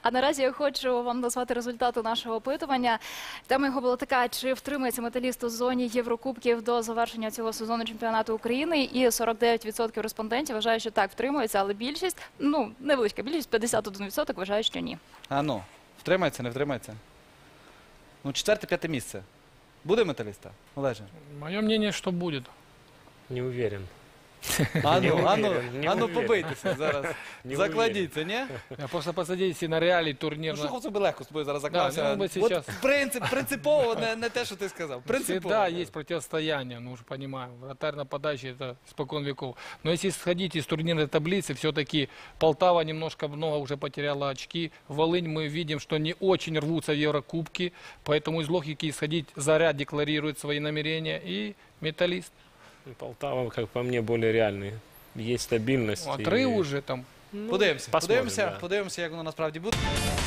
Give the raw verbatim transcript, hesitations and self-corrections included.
А наразі я хочу вам назвати результати нашого опитування. Тема його була така: чи втримається Металіст у зоні Єврокубків до завершення цього сезону чемпіонату України? І сорок дев'ять відсотків респондентів вважають, що так, втримується, але більшість, ну, невеличка більшість, п'ятдесят один відсоток вважають, що ні. А ну, втримається, не втримається? Ну, четверте-п'яте місце. Буде Металіста, Олеже? Мое мнение, что будет. Не уверен. А ну, а ну, уверен, не а ну уверен. побийтеся зараз. Не Закладіться, ні? Я просто посадите на реалий Ну, турнирно. Шухов собі легко з тобою зараз заклався. Да, ну, ми сейчас- От принцип, принципово не, не те, що ти сказав. Принципово. Всегда есть противостояние, ну уже понимаем. Вратарь нападающий это испокон веков. Но если сходить из турнирной таблицы, все-таки Полтава немножко много уже потеряла очки. Волынь мы видим, что не очень рвутся в Еврокубки. Поэтому из логики исходить Заря декларирует свои намерения. И Металлист. Полтава, как по мне, более реальный. Есть стабильность. Отрыв и- уже там. Ну, Подивимося, посмотрим, подивимося, да. подивимося, як воно насправді буде.